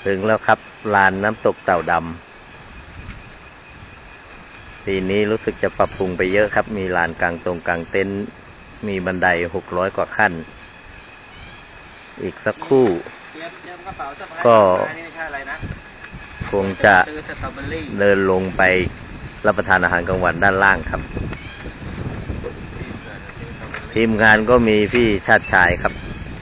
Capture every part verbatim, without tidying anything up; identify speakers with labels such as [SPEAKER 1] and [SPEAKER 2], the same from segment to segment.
[SPEAKER 1] ถึงแล้วครับลานน้ำตกเต่าดำปีนี้รู้สึกจะปรับปรุงไปเยอะครับมีลานกลางตรงกลางเต็นท์มีบันไดหกร้อยกว่าขั้นอีกสักครู่ก็คงจะเดินลงไปรับประทานอาหารกลางวันด้านล่างครับทีมงานก็มีพี่ชาติชายครับ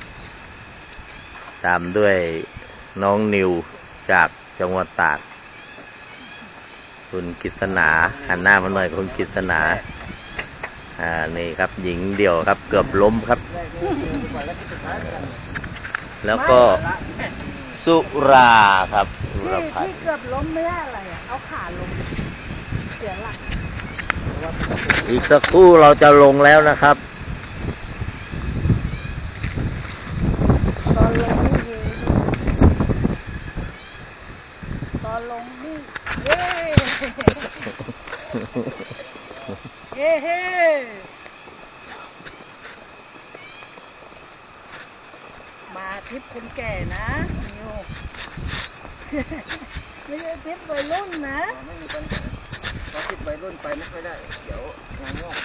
[SPEAKER 1] ตามด้วยน้องนิวจากจังหวัดตากคุณกฤษณาหันหน้ามาหน่อยคุณกฤษณาอ่านี่ครับหญิงเดี่ยวครับเกือบล้มครับแล้วก็สุราครับสุรพันธ์
[SPEAKER 2] ที่เกือบล้มไม่ได้อะไรอ่ะเอาขาลงเสียหลัก
[SPEAKER 1] อีกสักครู่เราจะลงแล้วนะครับ
[SPEAKER 2] ตอนลงนี่ตอนลงนี่เย้เฮ้เฮ้มาทริปคนแก่นะนิวไม่ใช่ทริปวัยรุ่นนะไม่มีปัญหาเพราะทริปวัยรุ่นไปไม่ค่อยได้เดี๋ยวงานงอก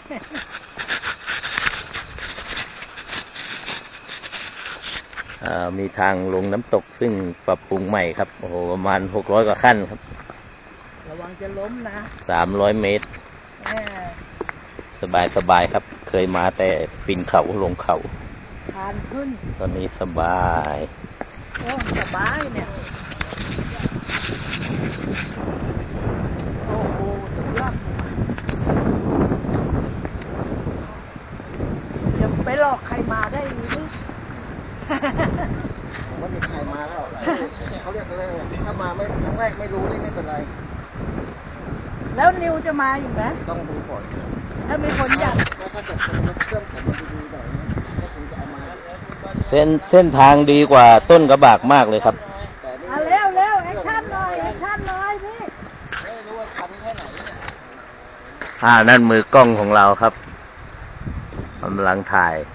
[SPEAKER 1] มีทางลงน้ำตกซึ่งปรับปรุงใหม่ครับโอ้โหประมาณหกร้อยกว่าขั้นครับ
[SPEAKER 2] ระวังจะล้มนะ
[SPEAKER 1] สามร้อยเมตรสบายสบายครับเคยมาแต่ปีนเขาลงเขา
[SPEAKER 2] ทานขึ้น
[SPEAKER 1] ตอนนี้สบาย
[SPEAKER 2] โอ้สบายเนี่ยโอ้โหสุดยอดจะไปหลอกใครมาได้หรือ
[SPEAKER 3] ว่ามีใครมาแล้วเขาเรียกอะไรถ้ามาไม่ครั้งแรกไม่รู้นี่ไม่เป็นไร
[SPEAKER 2] แล้วนิวจะมาอีกไหม
[SPEAKER 3] ต้องดูก่อน
[SPEAKER 2] ถ้ามีคนอยาก
[SPEAKER 3] ถ้าเกิดเป็นเครื่องผมมันดีๆหน่อยก็คงจะเอามา
[SPEAKER 1] เส้นเส้นทางดีกว่าต้นกระบากมากเลยครับ
[SPEAKER 2] เอาเร็วเร็วแอคชั่นหน่อยแอคชั่นหน่อยพี่
[SPEAKER 3] ไม่รู้ว่าทำแค่ไหน
[SPEAKER 1] อ่านั่นมือกล้องของเราครับกำลังถ่าย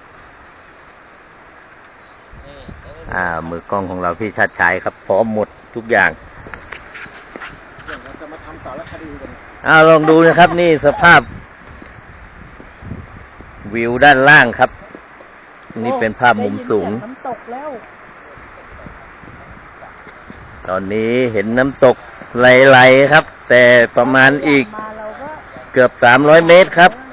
[SPEAKER 1] อ่ามือกล้องของเราพี่ชาติชายครับพร้อมหมดทุกอย่าง
[SPEAKER 3] เราจะมาทำสารคดีกัน
[SPEAKER 1] อ่าลองดูนะครับนี่สภาพวิวด้านล่างครับนี่เป็นภาพมุมสูง
[SPEAKER 2] น้ำตกแล้ว
[SPEAKER 1] ตอนนี้เห็นน้ำตกไหลๆครับแต่ประมาณอีกเกือบสามร้อยเมตรครับ